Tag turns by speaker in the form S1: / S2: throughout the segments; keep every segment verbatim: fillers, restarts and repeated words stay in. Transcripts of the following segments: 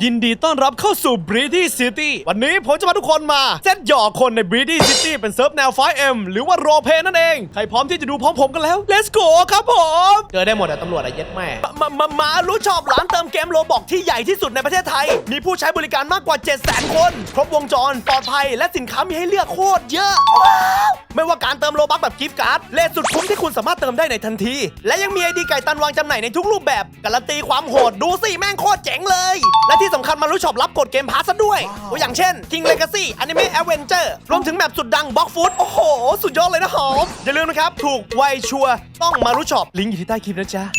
S1: ยินดีต้อนรับเข้าสู่ Breedy City วันนี้ผมจะพาทุกคนมาเซตหยอกคนใน Breedy City เป็นเซิร์ฟแนว ไฟว์ เอ็ม หรือว่าโรลเพลย์นั่นเองใครพร้อมที่จะดูพร้อมผมกันแล้ว Let's go ครับผมเจอได้หมดอะตำรวจอะเย็ดแม่มามามารู้ชอบร้านเติมเกมโรบอกที่ใหญ่ที่สุดในประเทศไทยมีผู้ใช้บริการมากกว่า เจ็ดแสน คนครบวงจรปลอดภัยและสินค้ามีให้เลือกโคตรเยอะว้าวไม่ว่าการเติมโลบัคแบบกิฟต์การ์ดเลทสุดคุ้มที่คุณสามารถเติมได้ในทันทีและยังมีไอดีไก่ตันวางจำหน่ายในทุกรูปแบบการันตีความโหดดูสิแม่งโคตรเจ๋งเลยและที่สำคัญมารู้ช็อปรับกดเกมพาสซะด้วยตัวอย่างเช่น King Legacy Anime Adventure รวมถึงแมปสุดดัง Block Food โอ้โหสุดยอดเลยนะหอมอย่าลืมนะครับถูกไวชัวร์ต้องมารู้ช็อปลิงก์อยู่ที่ใต้คลิปนะจ๊ะ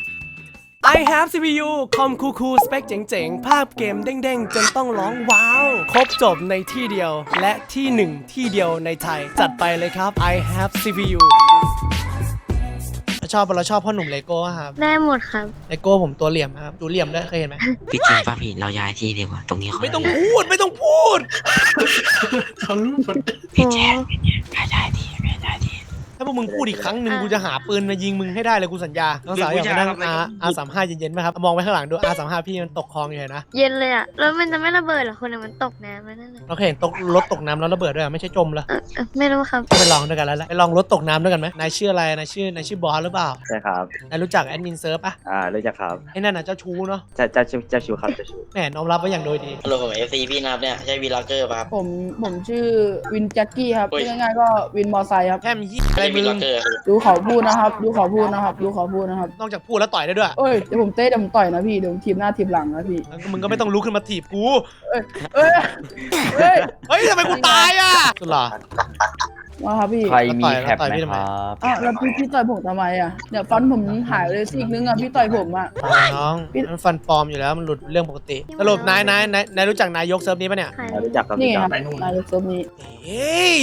S1: I have ซี พี ยู คอมคูคูสเปคเจ๋งๆ ภาพเกมเด้งๆ จนต้องร้องว้าว ครบจบในที่เดียว และที่หนึ่งที่เดียวในไทย จัดไปเลยครับ I have ซี พี ยู ชอบเราชอบพ่อหนุ่มเลโก้ครับ
S2: ได้หมดครับ
S1: เลโก้ผมตัวเหลี่ยมครับดูเหลี่ยมด้วยเคยเห็นไหม
S3: พี่จริงป่ะพี่เราย้ายที่ดีกว่าตรงนี้เขา
S1: ไม่ต้องพูดไม่ต้องพูด
S4: เขารู้หมด
S3: พี่แจ๊คย้ายย้ายที่ย้ายย้ายที่
S1: ถ้าพวกมึงพูดอีกครั้งหนึ่งกูจะหาปืนมายิงมึงให้ได้เลยกูสัญญาน้องสาวอยากมานั่งอาอาสามห้าเย็นๆไหมครับมองไปข้างหลังดูอาสามห้าพี่มันตกคลองอยู่นะ
S2: เย็นเลยอ่ะ แล้วมันจะไม่ระเบิดเหรอคนอะมันตกน้ำแล้วนั่นแหละ
S1: เราเคยเห็นตกรถตกน้ำแล้วระเบิดด้วยไม่ใช่จมเหรอ
S2: เออเออไม่รู้ครับ
S1: ไปลองด้วยกันแล้วแหละไปลองรถตกน้ำด้วยกันไหมนายชื่ออะไรนายชื่อนายชื่อบอสหรือเปล่า
S5: ใช่ครับ
S1: นายรู้จักแอดมินเซิร์ฟปะ
S5: อ่ารู้จักครับ
S1: ไอ้นั่นน่ะเจ้าชู้เนาะ
S5: จะจะจะจะชูครับจะชู
S1: แหมน้อมรับไว้อย่างโดยดี
S6: ฮัลโหลผมเอฟซีพี่นับเนี่ยใช่วีล็อกเกอร์ป่ะครับ
S7: ผมผมชื่อวินแจ็คกี้ครับ
S6: โอ้ย
S7: ชื่อง่ายๆก็วินมอไซค์ครับ
S1: แค่มียี่อะไร
S6: ใช่
S1: มึ
S6: วี
S1: ง
S6: ล็อกเกอร์ครับ
S7: ดูเขาพูดนะครับดูเขาพูดนะครับดูเขาพูดนะครับ
S1: นอกจากพูดแล้วต่อยได้ด้วย
S7: เอ้ยเดี๋ยวผมเตะเดี๋ยวผมต่อยนะพี่เดี๋ยวผมทีมหน้าทีมหลังนะพี่
S1: งั้นมึงก็ไม่ต้องลุกขึ้นมาถีบกู
S7: เอ้ยเอ้ยเอ้ย
S1: เฮ้ยทำไมกูตายอ่ะสุดหรอ
S7: มาครับพี่
S5: ใครมี
S1: แล้ว
S5: แคป
S1: ต่อย
S5: ไหม
S1: พี่ทำไม
S5: ครับ
S7: อ้าวแล้วพี่พี่ต่อยผมทำไมอ่ะเนี่ยฟันผมหายเลยซีกนึงอ่ะพี่ต่อยผมอ่ะ
S1: น้องมันฟันปลอมอยู่แล้วมันหลุดเรื่องปกติสรุปนายนายนายนายรู้จักนายกเซิร์ฟนี้ปะเนี่ย
S2: ใคร
S5: อ่ารู้จักครับ
S7: นี่
S5: รู้
S7: ไง
S5: จั
S7: ค
S5: ก
S7: รับนายกเซิร์ฟนี้
S1: เฮ้ย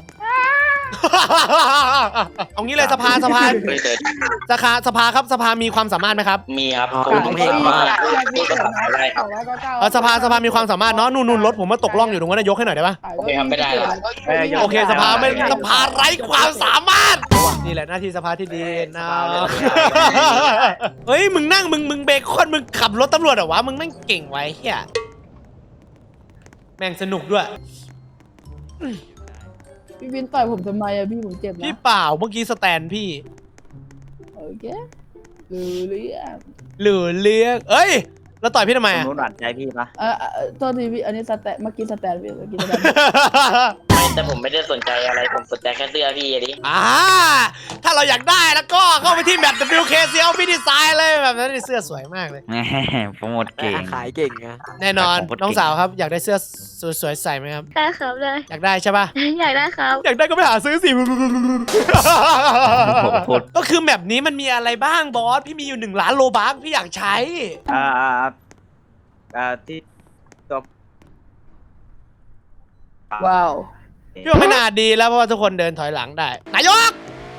S1: เอางี้เลยสภาสภา
S6: ไม่เคย
S1: สภาสภาครับสภามีความสามารถไหมครับ
S6: มีครับ
S3: อ๋อ
S6: ผมเห็นว่าพูดภาษาอะไร
S7: สองร้อยเก้าเก้า
S1: เออสภาสภามีความสามารถเนาะนู่นนู่นรถผมมาตกล่องอยู่ตรงนั้นนะยกให้หน่อยได้ปะ
S6: โอเคครับไม่ได้หรอก
S1: โอเคสภาไม่สภาไร้ความสามารถนี่แหละหน้าที่สภาที่ดีนะเฮ้ยมึงนั่งมึงมึงเบคอนมึงขับรถตำรวจเหรอวะมึงแม่งเก่งไว้เฮียแม่งสนุกด้วย
S7: พี่วินต่อยผมทำไมอ่ะพี่ผมเจ็บ
S1: พี่
S7: นะ
S1: เปล่าเมื่อกี้สแตนพี่
S7: โอเครู้เรื่อง
S1: หรือเลี้ยงเอ้ยแล้วต่อยพี่ทำไม
S5: สม
S1: อะ
S5: มติหวานใจพี่ปะ
S7: เออเออโทษทีพี่อันนี้สแตนเมื่อกี้สแตนพี่เมื่อกี้สแตน
S6: ไม่แต่ผมไม่ได้สนใจอะไรผมสนใจแค่เสื้อพี่อะดิ
S1: อ่าถ้าเราอยากได้แล้วก็เข้าไปที่แมป ดับเบิลยู เค ซี แอล พี่ดีไซน์เลยแบบนั้นนี่เสื้อสวยมากเลย
S5: แหมโปรโมทเก่ง
S3: ขายเก่งอะ
S1: แน่นอน
S5: ขายของโคตรเก่ง
S1: น้องสาวครับอยากได้เสื้อสวยๆใส่ไหมครับ
S2: ได้ครับได้
S1: อยากได้ใช่ป่ะ
S2: อยากได้ครับ
S1: อยากได้ก็ไปหาซื้อสิ
S5: พูด
S1: ก็คือแมปนี้มันมีอะไรบ้างบอส พี่มีอยู่หนึ่งล้านโลบัคพี่อยากใช้
S5: อ่าอ่าอ่าที่ตัว
S7: ว้าว
S1: พี่ว่าไม่น่าดีแล้วเพราะว่าทุกคนเดินถอยหลังได้ นายก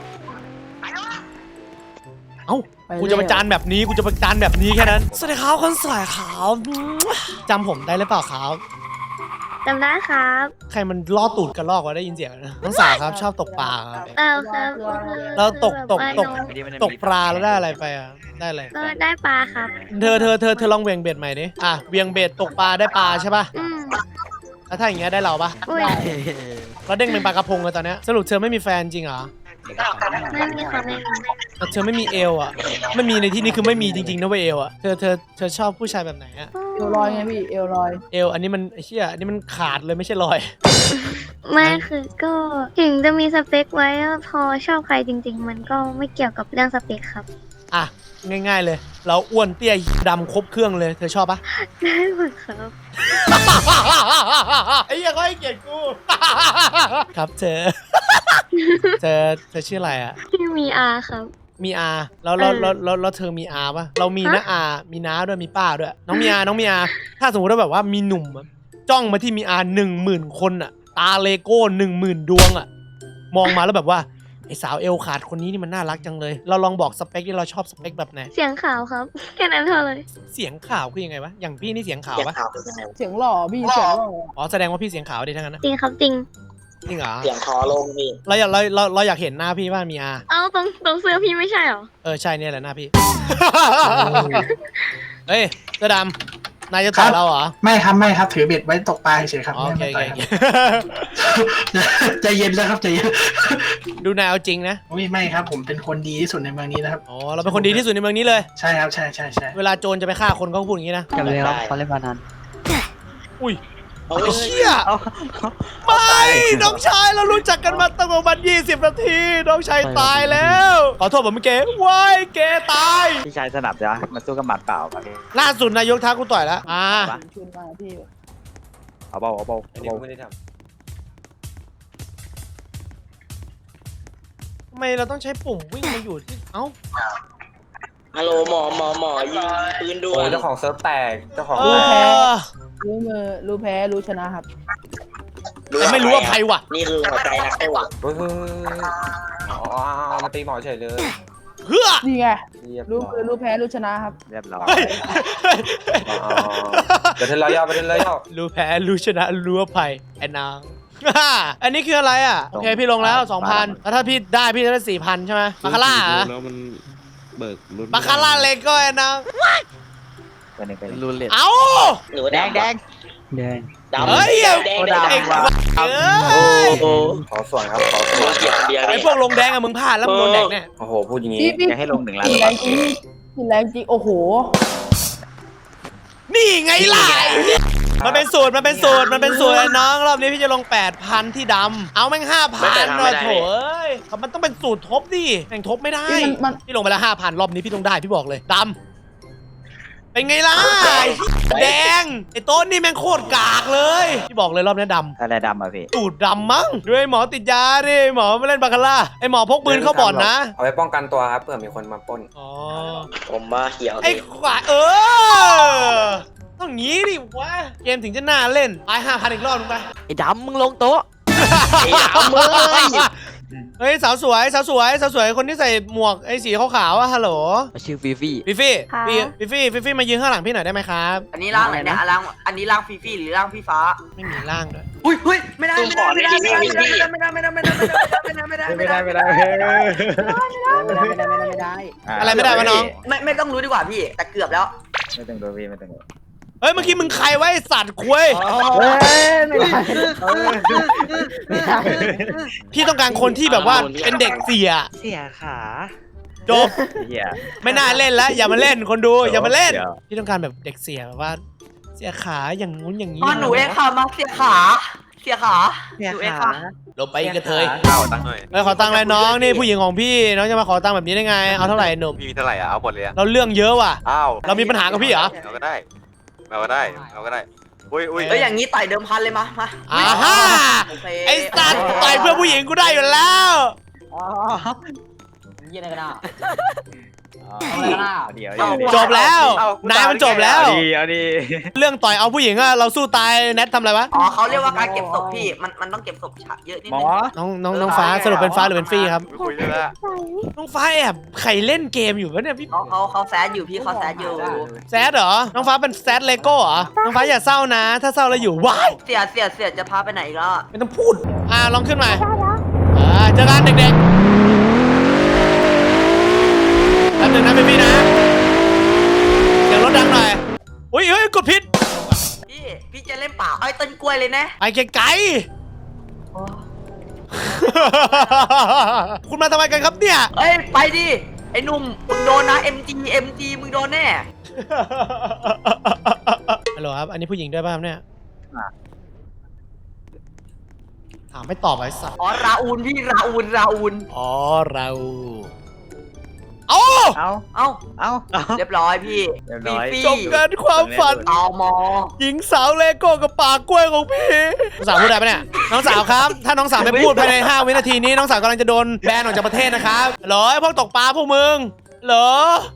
S1: เอ้า กูจะประจานแบบนี้ กูจะประจานแบบนี้แค่นั้น สวัสดีครับคนสวยขาวจำผมได้หรือเปล่าครับ
S2: จำได้ครับ
S1: ใครมันล่อตูดกระลอกวะได้ยินเสียงนะน้องสาวครับชอบตกปลาครับ
S2: เออครับ
S1: เราตกตกตก
S2: คือแบบว่า
S1: ตกปลาแล้วได้อะไรไปอ่ะ ได้อะไร
S2: ก็ได้ปลาครับ
S1: เธอเธอเธอเธอลองเวียงเบ็ดใหม่ดิ อ่ะเวียงเบ็ดตกปลาได้ปลาใช่ป่ะ
S2: อืม
S1: แล้วถ้าอย่างเงี้ยได้เราปะ
S2: อุ้ย
S1: แล้วเด้งเป็นปลากระพงเลยตอนเนี้ยสรุปเธอไม่มีแฟนจริงเหรอ
S2: ไม่มีครับไม่มี
S1: แต่เธอไม่มีเอวอ่ะ ไม่มีในที่นี้คือไม่มีจริงๆนะเว้ยเอวอ่ะ เธอเธอเธอชอบผู้ชายแบบไหนอ่ะ
S7: เอวลอยไงพี่เอวลอย
S1: เอวอันนี้มันไอ้เหี้ยอันนี้มันขาดเลยไม่ใช่รอย
S2: ไม่คือก็ถึงจะมีสเปคไว้พอชอบใครจริง ๆ มันก็ไม่เกี่ยวกับเรื่องสเปคครับ
S1: อ่ะง่ายๆเลย เราอ้วนเตี้ยดำครบเครื่องเลย เธอชอบปะ
S2: ได้หมดครับ
S1: ไอ้เหี้ยเขาให้เกียรติกู ครับเธอ เธอเธอชื่ออะไรอ่ะ
S2: ที่มีอาครับ
S1: มีอาแล้วแล้ว
S2: เออ
S1: แล้วแล้วแล้วเธอมีอาปะเรามีนะ
S2: ฮะ
S1: อามีน้าด้วยมีป้าด้วย น้องมีอาน้องมีอาถ้าสมมติว่าแบบว่ามีหนุ่มอะจ้องมาที่มีอาหนึ่งหมื่นคนอ่ะ ตาเลโก้หนึ่งหมื่นดวงอ่ะ มองมาแล้วแบบว่าไอสาวเอวขาดคนนี้นี่มันน่ารักจังเลย เราลองบอกสเปคที่เราชอบสเปคแบบไหน
S2: เสียงขาวครับ แค่นั้นเท่าเลย
S1: เสียงข่าวคือยังไงวะอย่างพี่นี่เสียงข่าว
S6: เสียง
S1: ปะ
S6: ขาวเป็นยังไง
S7: เสียงหล่อพี่เสียงหล่อ
S1: อ๋อแสดงว่าพี่เสียงข่าวดิทั้งนั้นนะ
S2: จริงครับจริง
S1: จริงเหรอ
S6: เสียงคอลงพี่
S1: เราอยากเราเราเราอยากเห็นหน้าพี่ว่ามีอา
S2: เอาตรงตรงเสื้อพี่ไม่ใช่เหรอ
S1: เออใช่เนี่ยแหละหน้าพี่ เฮ้ยเสื้อดนายจะต่อยเราเหรอ
S4: ไม่ครับไม่ครับถือเบ็ดไว้ตกปลาเฉยๆครับ
S1: อ๋อโอเค
S4: ไม่
S1: โอ
S4: ไม่
S1: เค
S4: ต่อย
S1: โอ
S4: ค
S1: เครับ
S4: ใจเย็นแล้วครับใจเย็น
S1: ดูนายเอาจริงนะ
S4: อุ้ยไม่ครับผมเป็นคนดีที่สุดในเมืองนี้นะครับ
S1: อ๋อเราเป็นคนดีที่สุดในเมืองนี้เลย
S4: ใช่ครับใช่ใช่ใช่
S1: เวลาโจรจะไปฆ่าคนเขาก็พูดอย่างนี้นะ
S3: จำเลยครับเขาเล่นพนัน
S1: อุ้ย
S6: เอา
S1: ไอ้เชี่ยไม่น้องชายเรารู้จักกันมาตั้งประมาณยี่สิบนาทีน้องชายตายแล้วขอโทษผมเก๋ว้ายเก๋ตาย
S5: พี่ชายสนับจ้ะมาสู้กับหมัดเปล่าป่ะพี่
S1: ล่าสุดนายกท้ากูต่อยแล้วอ่า
S7: ชุนมาพี่
S5: เอาเบาเอาเบาเอาเบา
S1: ทำไมเราต้องใช้ปุ่มวิ่งมาอยู่ที่เอ้า
S6: ฮัลโหลหมอหมอหมอยิงปืนด่ว
S8: โอ้
S6: น
S8: เจ้าของเซิร์ฟแตกเจ้าของ
S1: เอ
S8: แตก
S1: อ
S7: รู้มือรู้แพ้รู้ชนะครับ
S1: แต่ไม่รู้ว่าใครวะ
S6: นี่คือหัวใจนักสู้
S8: เฮ้ยเฮ้ยเฮ้ยอ๋อมาตีหมอเฉยเลย
S1: เฮ้อ
S7: นี่ไง
S8: เรียบ
S7: รู้
S8: ร้อ
S7: มือยรู้แพ้รู้ชนะครับ
S5: เรียบร้อย
S1: เฮ้ย
S8: อ๋อเดี๋ยวเทนรอยย่อไปเทนรอยย่อ
S1: รู้แพ้รู้ชนะรู้อภัยไอ้นาง อันนี้คืออะไรอ่ะโอเคพี่ลงแล้วสองพันแล้วถ้าพี่ได้พี่จะได้สี่พันใช่ไหมบาคาร่าเหรอ
S9: แล้วมันเบิกรถ
S1: บาคาร่าเล็กก็ไอ้นาง
S5: เป็นหนึ่งเป็นหนึ่ง
S3: รูเล็ต
S1: เอ้า
S6: หรือว่า
S3: แดง
S6: ดำ
S3: แดงแดง
S6: ดำ
S1: เฮ้ย
S6: แดงแดงแดง
S1: ไอ้
S6: แดง
S1: ควายเอ้ย
S6: โอ้
S8: ขอส่วนครับขอส่วน
S6: เกี่ยวเดียว
S1: ไอ้
S6: นี่
S1: พวกลงแดงอะมึงพลาดแล้วมึงโดนแดกเนี่ย
S8: โอ้โหพูดอย่าง
S7: พี่
S8: งี้
S7: พี่
S5: อยากให้ลงหนึ่งล้าน
S7: กินแรงจริงกินแรงจริงโอ้โห
S1: นี่ไงล่ะมันเป็นสูตรมันเป็นสูตรมันเป็นสูตรไอ้น้องรอบนี้พี่จะลงแปดพันที่ดำเอาแม่งห้าพันนะโถเอ้ยมันต้องเป็นสูตรทบดิแม่งทบไม่ได้
S7: พี่มันมัน
S1: พี่ลงไปแล้วห้าพันรอบนี้พี่ต้องได้พี่บอกเลยดำเป็นไงล่ะแดงไอ้โต้นนี่แม่งโคตรกากเลยพี่บอกเลยรอบนี้ดำ
S5: อะไรดำอ่ะพี่
S1: ตูดดำมั้งด้วยหมอติดยาดิหมอไม่เล่นบาคาร่าไอหมอพกปืนเข้าบ่อนนะ
S8: เอาไว้ป้องกันตัวครับเผื่อมีคนมาปล้น
S1: อ๋อ
S6: ผมมาเขียว
S1: ไอ้ขวาเออต้องงี้ดิวะเกมถึงจะน่าเล่นไปห้าพันอีกรอบนึงไป
S3: ไอ้ดำมึงลงโต๊ะ
S6: ไอ้ดำเลย
S1: เฮ้ยสาวสวยสาวสวยสาวสวยคนที่ใส่หมวกไอ้สีขาวๆอะฮัลโหล
S3: ชื่อฟีฟี่
S1: ฟิฟี่
S2: ค่ะ
S1: ฟิฟิฟี่ฟิฟี่มายืนข้างหลังพี่หน่อยได้ไหมครับ
S10: อันนี้ร่างไหนเนี่ยอ่ะร่างอันนี้ร่างฟีฟี่หรือร่างพี่ฟ้า
S1: ไม่มีร่างด้วย
S10: อุ้ยอุ้ยไม่ได้ไม่ได้ไม่ได้ไม่ได้ไม่ได้ไม่ได้ไม่ได้ไม่ได้ไม่ได้ไม่ได้ไม่ได้ไม่ได้ไม่ได้
S5: ไม่ได้ไม่ได้
S7: ไม่ได้ไม่ได้ไม่ได้ไม่ได้
S1: อะไรไม่ได้วะน้อง
S10: ไม่ไม่ต้องรู้ดีกว่าพี่แต่เกือบแล้ว
S5: ไม่ต้องดูพี่ไม่ต้องดู
S1: เฮ้ยเมื่อกี้มึงใครไว้ไอ้สัตว์คุย
S5: เฮ้ยไม่ได้
S1: พี่ต้องการคนที่แบบว่าเป็นเด็กเสีย
S3: เสียขา
S1: จบ
S5: เฮีย
S1: ไม่น่าเล่นแล้วอย่ามาเล่นคนดูอย่ามาเล่น
S5: เดี๋ยว
S1: พี่ต้องการแบบเด็กเสียแบบว่า เสียขาอย่างงู้นอย่างนี้
S10: อ๋อหนูเองค่ะมาเสียขาเสียขาหนูเองค่ะ
S1: ลงไปกระเทย
S8: เอาตังค์หน่อย
S1: เอ้ยขอตังค์เลยน้องนี่ผู้หญิงของพี่น้องจะมาขอตังค์แบบนี้ได้ไงเอาเท่าไหร่หนุ่ม
S8: พี่มีเท่าไหร่อ่ะเอาหมดเลยอ่ะ
S1: เราเรื่องเยอะว่ะ
S8: อ้าว
S1: เรามีปัญหากับพี่เหรอ
S8: เราก็ได้เราก็ได้เราก็ได้อุ้ยอุ้ย
S10: เอ้ยอย่างนี้ต่อยเดิมพันเลยมามา
S1: อ่าฮ่า
S10: โอเค
S1: ไอ้สัตว์ต่อยเพื่อผู้หญิงกูได้อยู่แล้ว
S7: ยี่อะไรกันอ่ะ
S5: เดี๋ยว
S1: จบแล้วนายมันจบแล้ว
S5: เอาดีเอาดี
S1: เรื่องต่อยเอาผู้หญิงอะเราสู้ตายแนททำอะไรวะ
S10: อ๋อเขาเรียกว่าการเก็บศพพี่มันมันต้องเก็บศพฉะเยอะนิด
S5: หม
S10: นึ
S5: อง
S1: น้องน้องน้องฟ้าสรุปเป็นฟ้าหรือเป็นฟี่ครับ
S8: ไม่คุยด้วยละ
S1: น้องฟ้าแอบใครเล่นเกมอยู่วะเนี่ยพี่
S10: เขาเขาเขาแซดอยู่พี่เขาแซดอยู่
S1: แซดเหรอน้องฟ้าเป็นแซดเลโก้เหรอน้องฟ้าอย่าเศร้านะ ถ้าเศร้าแล้วอยู่ว้าย
S10: เสียเสียเสียจะพาไปไหนอีกแล้วอะ
S1: ไม่ต้องพูดอ่าลองขึ้นมาอ่าเจอกันเด็กๆแป๊บหนึงนะพี่ๆนะเสียงรถดังหน่อยอุ้ยเฮ้ยกดผิด
S10: พี่พี่จะเล่นเปล่าไอ้ยต้นกล้วยเลยนะ
S1: ไปไกลๆ คุณมาทำไมกันครับเนี่ย
S10: เอ้ยไปดิไอ้หนุ่มมึงโดนนะ เอ็ม จี เอ็ม จี มึงโดนแน่
S1: ฮัลโหลครับ อันนี้ผู้หญิงด้วยป่ะครับเนี่ยถามไม่ตอบไอ้สัตว์
S10: อ๋อราอูนพี่ราอูนราอูน
S1: อ๋อเราเอ้า
S5: เอา
S10: เอ้า
S5: เอาเอา
S10: เรียบร้อยพี่
S5: เรียบร้อย
S10: ฟี
S1: จบกันความฝัน
S10: เอามอ
S1: หญิงสาวเลโก้กับปากกล้วยของพี่น้องสาวพูดได้ปะเนี่ยน้องสาวครับ ถ้าน้องสาวไม่พูดภายในห้าวินาทีนี้น้องสาวกำลังจะโดนแบนออกจากประเทศนะครับเหรอไอ้พวกตกปลาพวกมึงเหรอ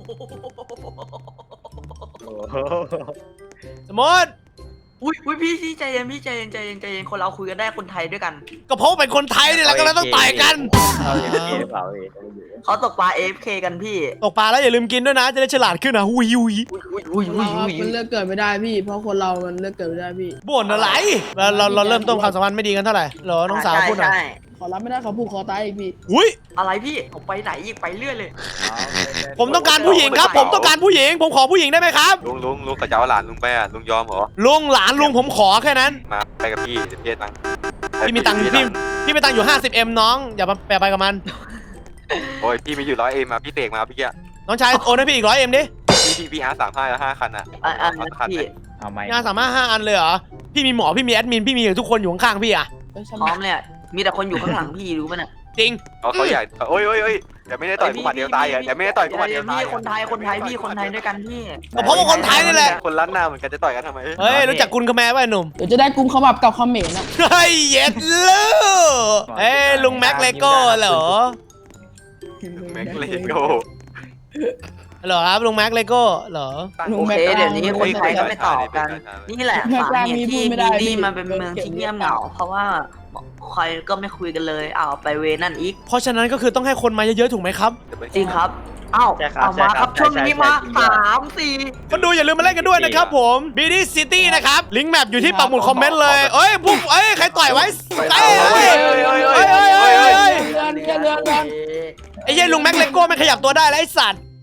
S1: สมมติ
S10: อุ้ยอุ้ยพี่พี่ใจเย็นพี่ใจเย็นใจเย็นใจเย็นคนเราคุยกันได้คนไทยด้วยกัน
S1: ก็เพราะเป็นคนไทยนี่แหละก็เลยต้องต่อยกัน
S5: เอาเอฟเคหรือเปล่าพี่
S10: เขาตกปลา เอฟ เค กันพี่
S1: ตกปลาแล้วอย่าลืมกินด้วยนะจะได้ฉลาดขึ้นนะหุยหุย
S10: อุ้ยอุ้ยอุ้ยอุ้ย
S7: มันเลือกเกิดไม่ได้พี่ เพราะคนเรามันเลือกเกิดไม่ได้พี่
S1: บ่นอะไรเราเราเราเริ่มต้นความสัมพันธ์ไม่ดีกันเท่าไหร่เหรอน้องสาวพูดหน่อย
S10: ใช่ใช่
S7: ขอรับไม่ได้เขาผูกคอตายอีกพี่
S1: อุ้ย
S10: อะไรพี่ผมไปไหนอีกไปเรื่อยเลย
S1: ผมต้องการผู้หญิงครับ ผมต้องการผู้หญิง ผมขอผู้หญิงได้ไหมครับ
S8: ลุงลุงลุงกับเจ้าหลานลุงไปอ่ะลุงยอมเหรอ
S1: ลุงหลานลุงผมขอแค่นั้น
S8: มาไปกับพี่เดี๋ยวพี่ให้ตังค์
S1: พี่มีตังค์พี่พี่มีตังค์อยู่ ห้าสิบเอ็ม น้อง อย่ามาแปรไปกับมัน
S8: โอ้ยพี่มีอยู่ร้อยเอ็มมาพี่เตกมาพี่แก
S1: น้องชายโอนให้พี่อีกร้อยเอ็มดิ
S8: พี่พี่พี่อาร์สามห้าแล้วห้าคันอ่ะ
S10: อ่ะอ่ะ
S8: เอาคัน
S10: พี่
S8: ไหน
S5: เอาไหม
S1: งานสามารถห้าอันเลยเหรอ พี่มีหมอ พี่มีแอดมิน พี่มีทุกคนอยู่ข้างๆพี่อะ
S7: เอ้ย
S10: พร้อมเลยอะมีแต่คนอยู่ข้างหลังพี่รู้ป่ะเนี่ย
S1: จริง
S8: เขาเขาใหญ่โอ้ยโอ้ยโอ้ยเดี๋ยวไม่ได้ต่อยกูหมัดเดียวตายอ่ะเดี๋ยวไม่ได้ต่อยกูหมัดเดียวตาย
S10: พี่คนไทยคนไทยพี่คนไทยด้วยกันพี่
S1: ก็เพราะว่าคนไทยนี่แหละ
S8: คนล้านหน้าเหมือนกันจะต่อยกันทำไม
S1: เฮ้ย รู้จักกุลคแมร์ป่ะไอ้หนุ่ม
S7: เดี๋ยวจะได้กุมขมับกับคอมเขมนต์อะ
S1: เฮ้ยเย็ดลูกเอ้ยลุงแม็กเลโก้เหรอ
S8: แม็กเลโก้
S1: เหรอครับลุงแม็กเลโก้เหรอ
S10: โอเคเดี๋ยวนี้คนไทยก็ไม่ตอบกัน นี่แหละสาเหตุที่ดีดีมันเป็นเมืองที่เงียบเหงา เพราะว่าใครก็ไม่คุยกันเลยอ้าวไปเวนั่นอีก
S1: เพราะฉะนั้นก็คือต้องให้คนมาเยอะๆถูกไหมครับ
S10: จริงครับอ้าวเอามาครับช่วงนี้มาสามสี่
S1: คนดูอย่าลืมมาเล่นกันด้วยนะครับผม บี ดี City นะครับ ลิงก์แมปอยู่ที่ปักหมุดคอมเมนต์เลย เอ้ยพวกเอ้ย ใครต่อยไว้เอ้ยเอ้ยเอ้ยเอ้ยเอ้ยเอ้ย
S7: เรือนเรือนเรือนเรือน
S1: ไอ้เหี้ยลุงแม็กเลโก้ไม่ขยับตัวได้แล้วไอ้สัตว์